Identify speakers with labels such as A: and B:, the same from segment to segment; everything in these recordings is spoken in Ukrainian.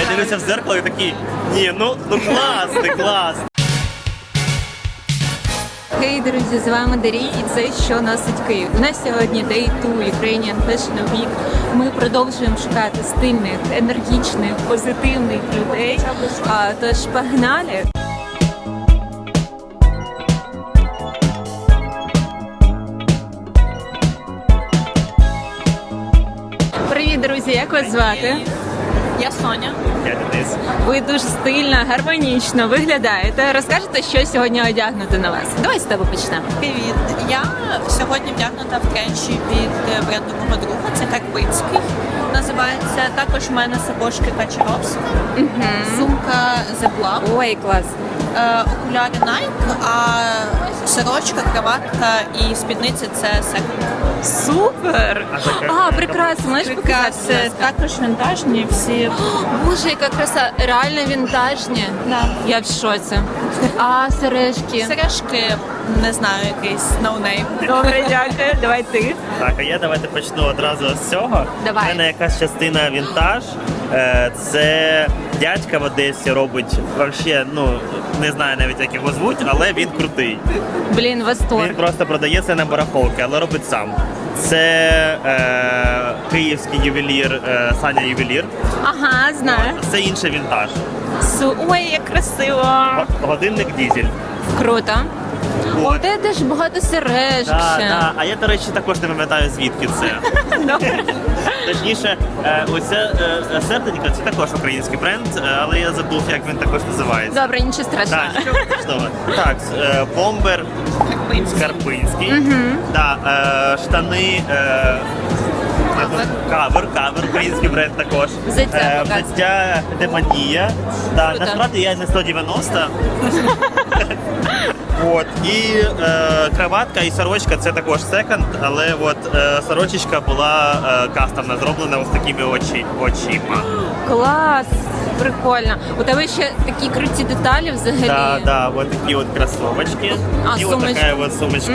A: Я дивлюся в зеркало і такий, ні, ну клас.
B: Хей, друзі, з вами Дарій і це «Що носить Київ». У нас сьогодні Day 2 Ukrainian Fashion Week. Ми продовжуємо шукати стильних, енергічних, позитивних людей. Тож погнали! Привіт, друзі! Як вас звати?
C: Я Соня.
A: Я Денис.
B: Ви дуже стильно, гармонічно виглядаєте. Розкажете, що сьогодні одягнути на вас? Давай з тебе почнемо.
C: Привіт. Я сьогодні вдягнута в тренчі від бренду мого друга. Це Карпинський називається. Також в мене сапожки Качаровська, сумка The Block,
B: Ой, клас.
C: окуляри Nike, а сорочка, краватка і спідниця це Second.
B: Супер! Прекрасно, можеш показати?
C: Це також вінтажні всі.
B: Боже, яка краса, реально вінтажні.
C: Да.
B: Я в шоці. А сережки?
C: Сережки, не знаю, якийсь ноунейм.
B: Добре, дякую. Давай ти.
A: Так, а я давайте почну одразу з цього.
B: Давай.
A: У мене якась частина вінтаж. Це дядька в Одесі робить, вообще, не знаю навіть як його звуть, але він крутий.
B: Блін, восторг.
A: Він просто продає це на барахолки, але робить сам. Це київський ювелір, Саня Ювелір.
B: Ага, знаю.
A: Це інший вінтаж.
B: Ой, як красиво.
A: Годинник дізель.
B: Круто.
A: От.
B: О, де теж багато сережок ще.
A: Да. А я, до речі, також не пам'ятаю, звідки це. Точніше, оце серденько, це також український бренд, але я забув, як він також називається.
B: Добре, нічого страшного.
A: Так, бомбер Карпинський. Да, штани. Кавер, український бренд також. Взуття Демонія. Да, насправді я за 190. От, і краватка і сорочка це також секонд, але от сорочечка була кастомна, зроблена ось такими очима.
B: Клас! Прикольно. У тебе ще такі круті деталі взагалі.
A: Да, от такі от кросовочки. І
B: сумочка.
A: от така от сумочка.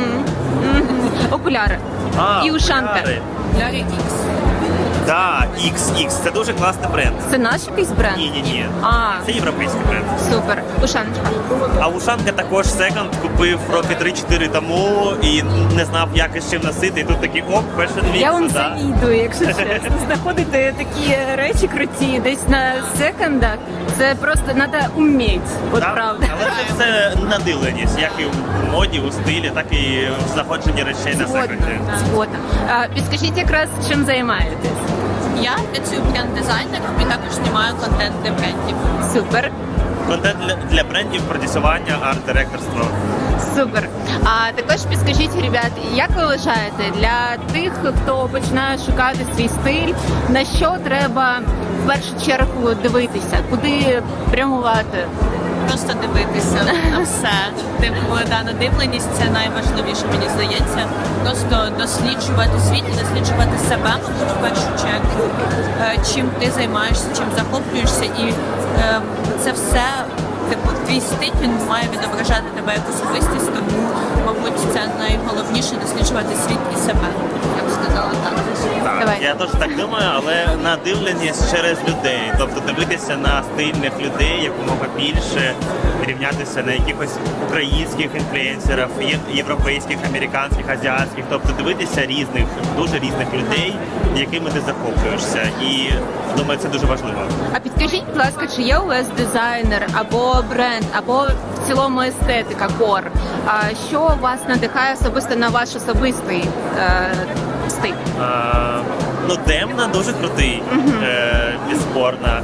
B: Окуляри. І ушанка.
C: Окуляри X.
A: Да, XX. Це дуже класний бренд.
B: Це наш якийсь бренд?
A: Ні.
B: А.
A: Це європейський бренд.
B: Супер. Ушаночка.
A: А ушанка також секонд купив роки 3-4 тому і не знав, як і з чим носити. І тут такий Fashion Week.
B: Я вам завідую, якщо чесно. Знаходити такі речі круті десь на секондах. Це просто треба вміти. От правда.
A: Але це все надивленість, як і в моді, у стилі, так і в знаходженні речей на секонді.
B: Згодна. Підскажіть якраз, чим займаєтесь?
C: Я працюю бренд-дизайнером і також знімаю контент для брендів.
B: Супер.
A: Контент для брендів, продюсування, арт-директорство.
B: Супер. А також підскажіть, ребят, як ви вважаєте, для тих, хто починає шукати свій стиль, на що треба в першу чергу дивитися? Куди прямувати?
C: Просто дивитися на все. Надивленість це найважливіше, мені здається. Просто досліджувати світ і досліджувати себе, мабуть, в першу чергу. Чим ти займаєшся, чим захоплюєшся, і це все, твій стиль, він має відображати тебе як особистість, тому, мабуть, це найголовніше досліджувати світ і себе. Я б сказала так.
A: Так, я теж так думаю, але надивленість через людей. Тобто дивитися на стильних людей якомога більше, рівнятися на якихось українських інфлюенсерів, європейських, американських, азіатських. Тобто дивитися дуже різних людей, якими ти захоплюєшся. І думаю, це дуже важливо.
B: А підкажіть, будь ласка, чи є у вас дизайнер або бренд, або в цілому естетика, кор? Що вас надихає особисто на ваш особистий стиль?
A: Демна дуже крутий, безспорно.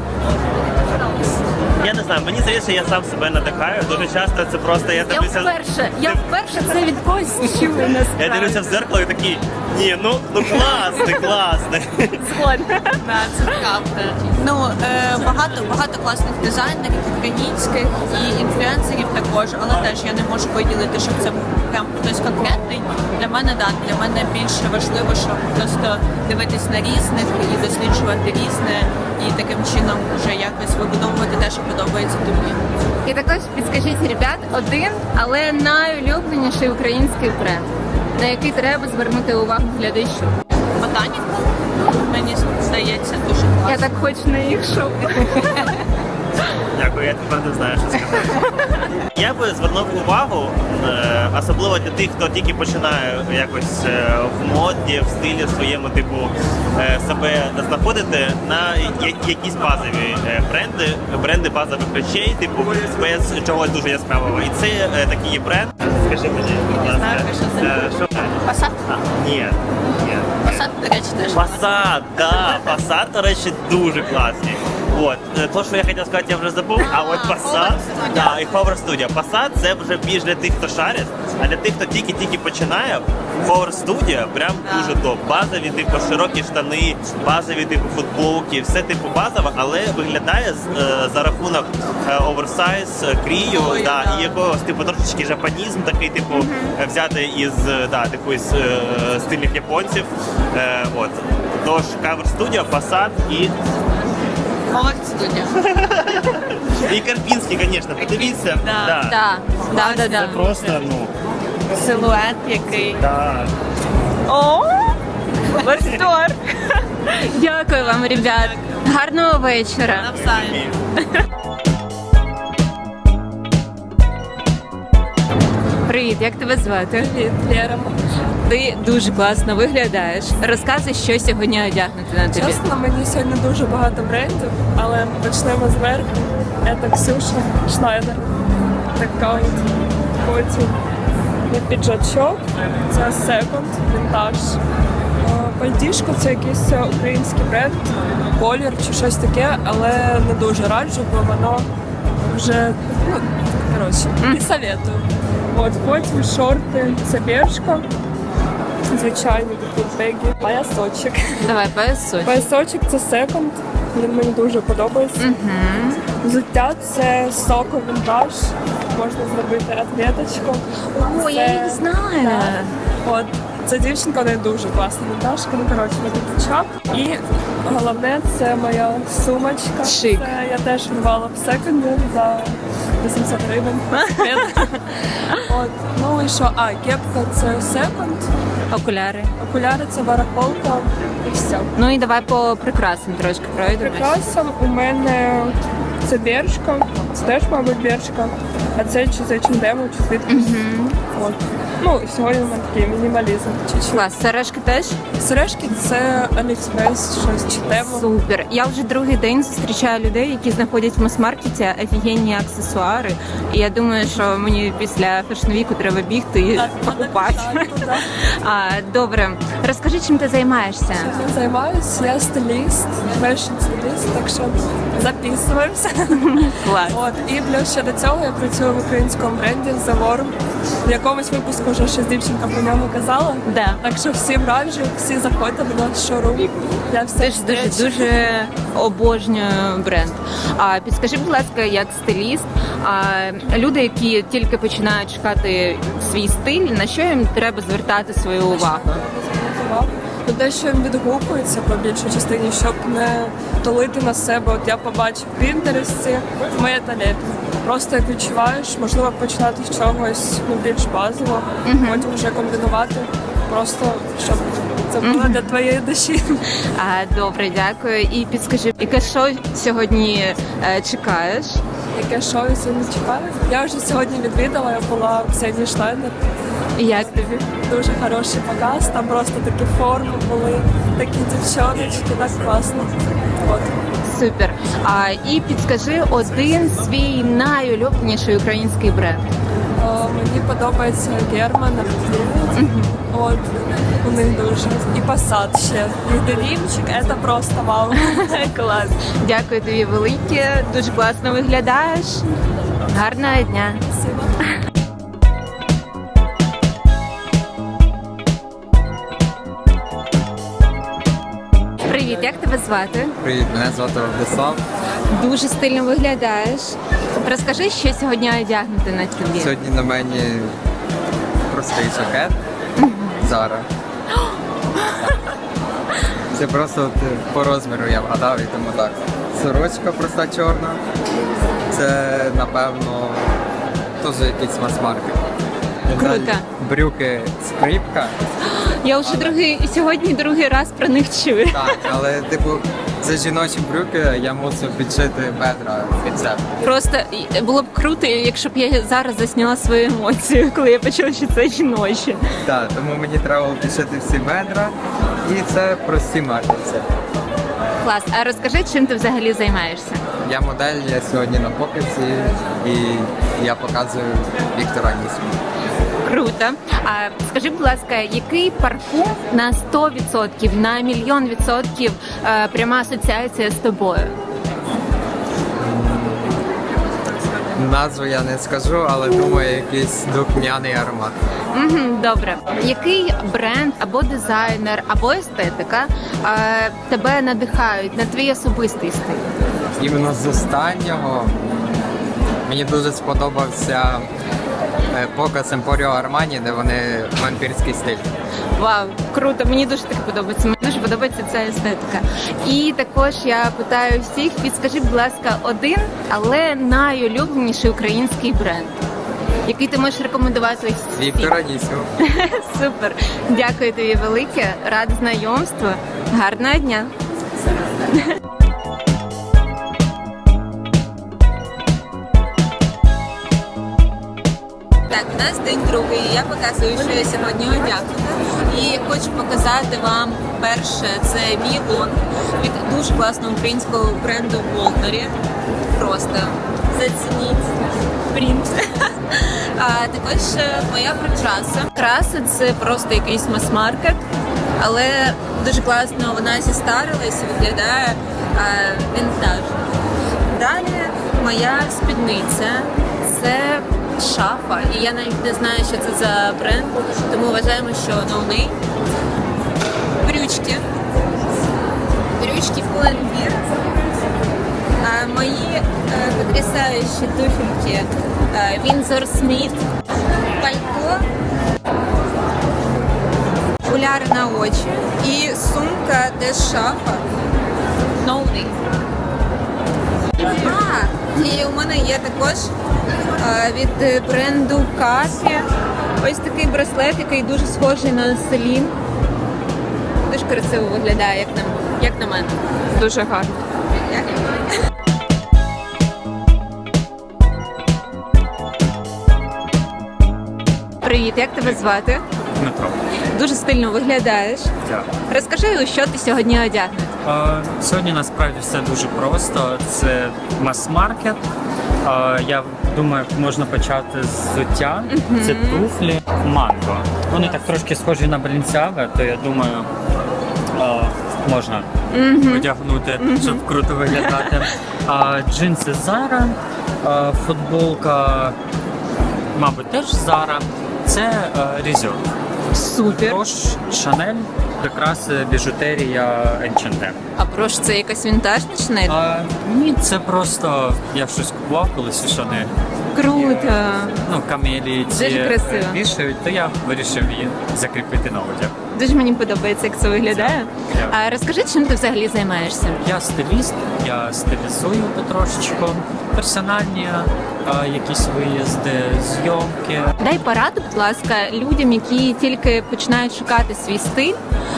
A: Я не знаю, мені здається, я сам себе надихаю. Дуже часто це просто я
B: вперше це від когось чую, насправді.
A: Я дивлюся в зеркало і такий, ні, класний.
B: Згодна.
C: Це правда. Багато класних дизайнерів, українських і інфлюенсерів також, але теж я не можу виділити, щоб це був прям хтось конкретний. Для мене більше важливо, щоб просто дивитись на різних і досліджувати різне, і таким чином вже якось вибудовувати те, що подобається тобі.
B: І також підскажіть, ребят, один, але найулюбленіший український бренд, на який треба звернути увагу глядачу.
C: Ботаніка, мені здається, дуже класно.
B: Я так хочу на їх шоу.
A: Дякую, я тепер не знаю, що сказати. Я би звернув увагу, особливо для тих, хто тільки починає якось в моді, в стилі своєму типу себе знаходити, на якісь базові бренди базових речей, типу без чогось дуже яскравого. І це такий є бренд. Скажи мені, будь ласка,
C: знаю, що це.
A: що?
C: Passat?
A: Ні.
C: Passat, до речі, теж.
A: Passat, да, Passat, до речі, дуже класні. От, то, що я хотів сказати, я вже забув, а от Passat,
C: Hover
A: да, і Hover Studio. Passat це вже більш для тих, хто шарить, а для тих, хто тільки починає, Hover Studio прям дуже топ. Базові, типу, широкі штани, базові, типу, футболки, все типу базове, але виглядає за рахунок оверсайз, крію,
C: Ой,
A: да,
C: да.
A: і якогось, типу, трошечки жапанізм такий, типу, взяти із, да, такої стильних японців. От. Тож, Cover Studio, Passat і
C: Hover Studio.
A: І Карпінський, звісно, подивіться.
C: Да.
B: Да.
A: Це просто, ну,
C: Силует який.
A: так.
B: О, восторг! Дякую вам, ребят. Гарного вечора.
C: Навзаєм.
B: Привіт, як тебе звати?
D: Привіт, Лера.
B: Ти дуже класно виглядаєш. Розказуй, що сьогодні одягнути на тобі.
D: Чесно, мені сьогодні дуже багато брендів, але почнемо зверху. Це Ксюша Шнайдер. Така от. Потім є піджачок, це секонд, вінтаж. Пальтішко це якийсь український бренд, колір чи щось таке, але не дуже раджу, бо воно вже, ну, коротше, не советую. От, потім шорти, це Бершка, звичайні такі бегі, поясочок.
B: Давай, поясуй.
D: Поясочок це секонд, він мені дуже подобається. Взуття це соко вінтаж, можна зробити ответочку.
B: О, я їх знаю.
D: От, ця дівчинка, вона дуже класна вінтажка, ну коротше, на чап. І головне, це моя сумочка.
B: Шик.
D: Це я теж рвала в секонді за 800 гривень. От, ну і що, кепка це секонд,
B: Окуляри.
D: окуляри це барахолка і все.
B: Ну і давай по прикрасам трошки пройдемо.
D: Прикрасом у мене це Бершка, це теж, мабуть, Бершка, а це чи з H&M, чи звідкись. От. Ну, сьогодні в мене такий мінімалізм. Чуть-чуть.
B: Клас, сережки теж?
D: Сережки це Аліекспрес, щось чи Тему.
B: Супер. Я вже другий день зустрічаю людей, які знаходять в мас-маркеті офігенні аксесуари. І я думаю, що мені після фешн-віку треба бігти і покупати. Добре, розкажи, чим ти займаєшся?
D: Я займаюся, я стиліст, фешн-стиліст, так що записуємося.
B: Клас.
D: От, і плюс ще до цього я працюю в українському бренді The Worm. В якомусь випуску вже щось дівчинка про нього казала.
B: Да.
D: Так що всім раджу, всі заходьте в наш шоурум. Я все
B: Теж дуже обожнюю бренд. А підскажи, будь ласка, як стиліст, люди, які тільки починають шукати свій стиль, на що їм треба звертати свою увагу?
D: Ну, те, що їм відгукується по більшій частині, щоб не тулити на себе. От я побачив в Пінтересті, моє талент. Просто як відчуваєш, можливо, починати з чогось більш базового, потім вже комбінувати, просто щоб це було для твоєї душі.
B: Добре, дякую. І підскажи, яке шоу сьогодні чекаєш?
D: Яке шоу я сьогодні чекаю? Я вже сьогодні відвідала, я була в Ксенії Шнайдер.
B: І як тобі?
D: Дуже хороший показ, там просто такі форми були, такі дівчоночки, так класно. От.
B: Супер. І підскажи один свій найулюбленіший український бренд.
D: Мені подобається Герман, от, у них дуже. І Passat ще. І денімчик, це просто вау.
B: Клас. Дякую тобі велике, дуже класно виглядаєш. Гарного дня. Привіт, як тебе звати?
E: Привіт, мене звати Владислав.
B: Дуже стильно виглядаєш. Розкажи, що сьогодні одягнути на тобі.
E: Сьогодні на мені простий жакет. Зара. Це просто по розміру я вгадав і тому так. Сорочка проста чорна. Це, напевно, теж якийсь мас-маркет.
B: Круто.
E: Далі брюки скрипка.
B: Я вже сьогодні другий раз про них чую.
E: Так, але типу за жіночі брюки я мусив підшити бедра під себе.
B: Просто було б круто, якщо б я зараз засняла свою емоцію, коли я почула, що це жіноче.
E: Так, тому мені треба було підшити всі бедра, і це прості маркерці.
B: Клас. А розкажи, чим ти взагалі займаєшся?
E: Я модель, я сьогодні на показі, і я показую Віктора Нісму.
B: Круто. А скажи, будь ласка, який парфум на 100%, на 1,000,000% пряма асоціація з тобою?
E: Назву я не скажу, але думаю, якийсь духмяний аромат.
B: Добре. Який бренд або дизайнер, або естетика тебе надихають на твій особистий стиль?
E: Іменно з останнього мені дуже сподобався показ Емпоріо Армані, де вони вампірський стиль.
B: Вау, круто, мені дуже таке подобається. Мені дуже подобається ця естетика. І також я питаю всіх, підскажи, будь ласка, один, але найулюбленіший український бренд, який ти можеш рекомендувати всім.
E: Віктора Нісму.
B: Супер. Дякую тобі велике. Рада знайомству. Гарного дня. Так, у нас день другий. Я показую, що я сьогодні одягнена. І хочу показати вам перше, це мій лонг від дуже класного українського бренду Волнері. Просто зацініть принт. А також моя прикраса. Краса це просто якийсь мас-маркет, але дуже класно вона зістарилась і виглядає вінтажно. Далі моя спідниця це шафа, і я навіть не знаю, що це за бренд, тому вважаємо, що новий. Брючки Pull&Bear. Мої потрясаючі туфельки Windsor Smith, пальто, окуляри на очі і сумка теж шафа. Новий. І у мене є також від бренду Кафі ось такий браслет, який дуже схожий на Селін. Дуже красиво виглядає, як на мене.
D: Дуже гарно.
B: Привіт, як тебе звати?
F: Дмитро.
B: Дуже стильно виглядаєш.
F: Дякую.
B: Розкажи, у що ти сьогодні одягнений?
F: Сьогодні насправді все дуже просто. Це мас-маркет. Я думаю, можна почати з взуття. Це туфлі Манго. Вони так трошки схожі на Balenciaga, то я думаю, можна одягнути, щоб круто виглядати. Джинси Zara, футболка, мабуть, теж Zara. Це Резерв.
B: Супер.
F: Також Шанель, прикраси, біжутерія, H&M.
B: А прош, це якась вінтажна Шанель?
F: Ні, це просто я щось купував колись у Шанель.
B: Круто.
F: Ну, камелії ці
B: Дуже красиво.
F: вішають, то я вирішив її закріпити на одяг.
B: Дуже мені подобається, як це виглядає.
F: Дякую.
B: А розкажи, чим ти взагалі займаєшся?
F: Я стиліст, я стилізую потрошечку, персональні якісь виїзди, зйомки.
B: Дай пораду, будь ласка, людям, які тільки починають шукати свій стиль.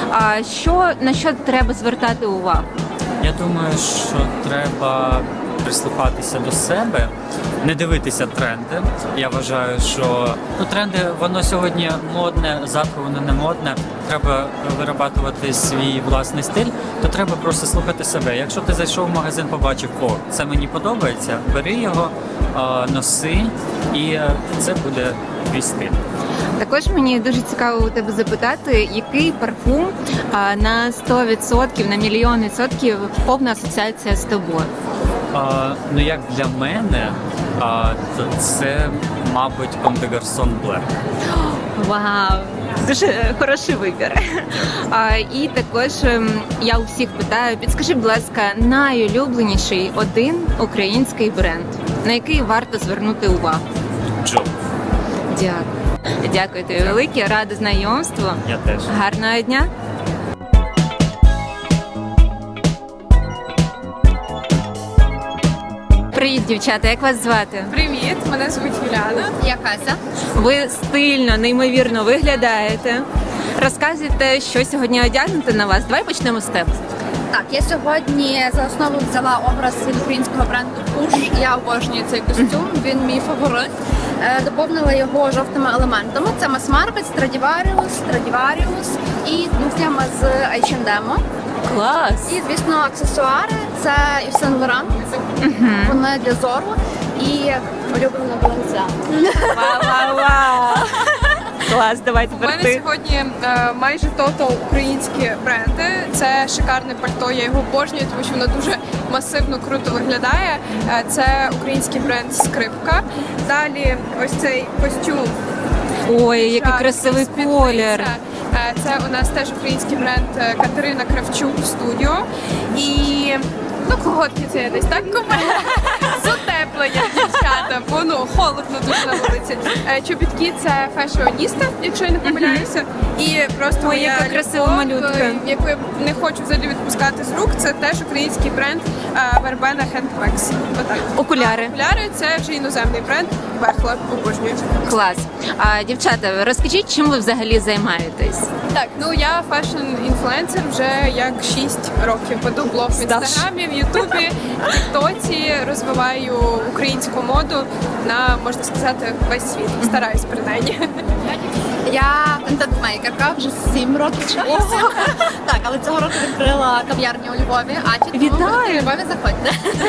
B: На що треба звертати увагу?
F: Я думаю, що треба прислухатися до себе, не дивитися тренди. Я вважаю, що тренди, воно сьогодні модне, завтра воно не модне. Треба вирабатувати свій власний стиль, то треба просто слухати себе. Якщо ти зайшов в магазин, побачив, це мені подобається, бери його, носи, і це буде твій стиль.
B: Також мені дуже цікаво у тебе запитати, який парфум на 100%, на 1,000,000% повна асоціація з тобою?
F: Як для мене, то це, мабуть, Comme des Garçons Black.
B: Вау! Дуже хороший вибір. І також я у всіх питаю, підскажи, будь ласка, найулюбленіший один український бренд, на який варто звернути увагу?
F: Джо.
B: Дякую. Дякую тобі велике, рада знайомству.
F: Я теж.
B: Гарного дня. Привіт, дівчата, як вас звати?
D: Привіт, мене звуть Юляна.
C: Я Кася.
B: Ви стильно, неймовірно виглядаєте. Розказуйте, що сьогодні одягнути на вас. Давай почнемо з тебе.
G: Так, я сьогодні за основу взяла образ від українського бренду Push. Я обожнюю цей костюм, він мій фаворит. Доповнила його жовтими елементами. Це мас-маркет, Stradivarius і туфлями з H&M.
B: Клас!
G: І, звісно, аксесуари. Це Yves Saint Laurent. Вони для зору і улюблена Balenciaga.
B: Вау-вау-вау! Клас, давай
D: У
B: тепер
D: мене
B: ти.
D: сьогодні майже тотал українські бренди. Це шикарне пальто, я його обожнюю, тому що воно дуже масивно, круто виглядає. Це український бренд Скрипка. Далі ось цей костюм.
B: Ой, який
D: Шарф,
B: красивий
D: спідниця.
B: колір.
D: Це у нас теж український бренд Катерина Кравчук Студіо. І колготки це я десь так купила. З утеплення, дівчата, бо холодно дуже на вулиці. Чобітки це фешіоніста, якщо я не помиляюся. І просто
B: Ой,
D: моя
B: яка красива
D: любов,
B: малютка.
D: яку я не хочу взагалі відпускати з рук, це теж український бренд Verbena Handbags. Отак.
B: Окуляри.
D: Окуляри це вже іноземний бренд Бехла, обожнюю.
B: Клас. А дівчата, розкажіть, чим ви взагалі займаєтесь?
D: Так, я фешн-інфлюенсер вже як 6 років. Веду блог в інстаграмі, в Ютубі, в Тіктоці, розвиваю українську моду на, можна сказати, весь світ. Стараюсь принаймні.
G: Я контент-мейкерка, вже 7 років часу. Так, але цього року відкрила кав'ярню у Львові.
B: Вітаю!
G: У Львові заходьте.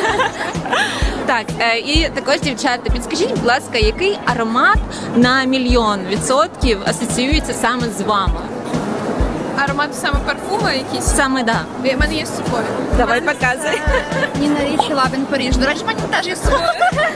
B: Так, і також, дівчата, підскажіть, будь ласка, який аромат на 1,000,000% асоціюється саме з вами?
D: Аромат саме парфуми якісь.
B: Саме да.
D: У мене є з собою.
B: Давай показуй.
G: Ніна Річі, Лавін Паріж. До речі, в мене теж є з собою.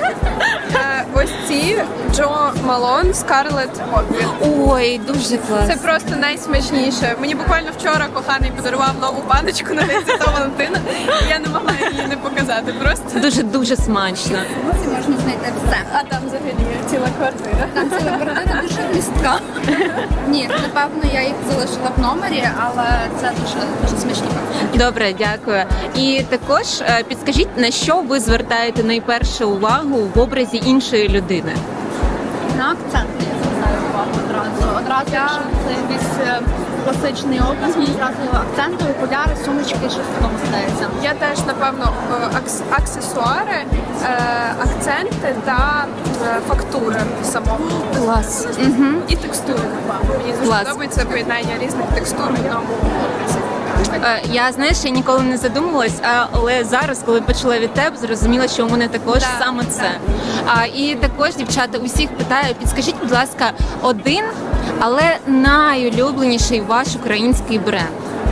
D: Ось ці Джо Малон Скарлет Обві.
B: Ой, дуже клас.
D: Це просто найсмачніше. Мені буквально вчора коханий подарував нову баночку на День Святого Валентина. І я не могла її не показати. Просто
B: Дуже смачно.
G: Ці можна знайти все.
D: а там взагалі ціла квартира.
G: Там ціла квартира дуже містка. Ні, напевно, я їх залишила в номері, але це дуже смачні.
B: Добре, дякую. І також підскажіть, на що ви звертаєте найперше увагу в образі іншої людини?
G: На акценти я звертаю увагу одразу. Одразу, якщо це якийсь класичний образ, мені одразу акценти, окуляри, сумочки, щось такого стається.
D: Я теж, напевно, аксесуари, акценти та фактури самого.
B: Клас.
D: І текстури, напевно. Мені дуже
B: Клас.
D: подобається поєднання різних текстур в одному образі.
B: Я, знаєш, я ніколи не задумувалась, але зараз, коли почула від тебе, зрозуміла, що у мене також саме це. І також, дівчата, усіх питаю, підскажіть, будь ласка, один, але найулюбленіший ваш український бренд.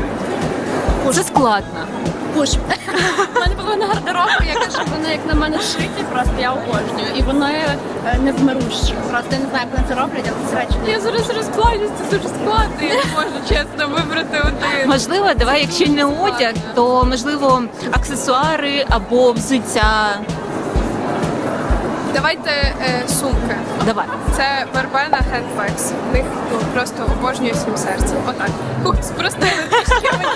B: Це складно.
G: Пуш. У мене половина гардеробу, я кажу, вони як на мене шиті, просто я обожнюю. І вони невмирущі. Просто я не знаю, як вони це роблять, але це речі.
D: Я зараз розплачусь, це дуже складно, я не можу чесно вибрати один.
B: Можливо, давай, якщо не одяг, то можливо аксесуари або взуття.
D: Давайте сумки.
B: Давай.
D: Це Verbena Handbags. В них просто обожнюю всім серцем. Отак. Спростили трішки мені.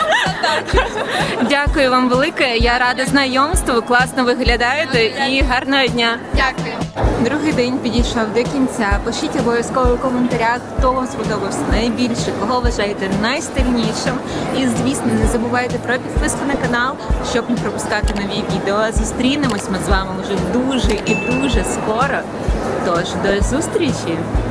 B: Дякую вам велике. Я рада знайомству. Класно виглядаєте і гарного дня.
D: Дякую.
B: Другий день підійшов до кінця. Пишіть обов'язково у коментарях, хто вам сподобався найбільше, кого вважаєте найстильнішим. І, звісно, не забувайте про підписку на канал, щоб не пропускати нові відео. Зустрінемось ми з вами вже дуже і дуже скоро. Тож, до зустрічі!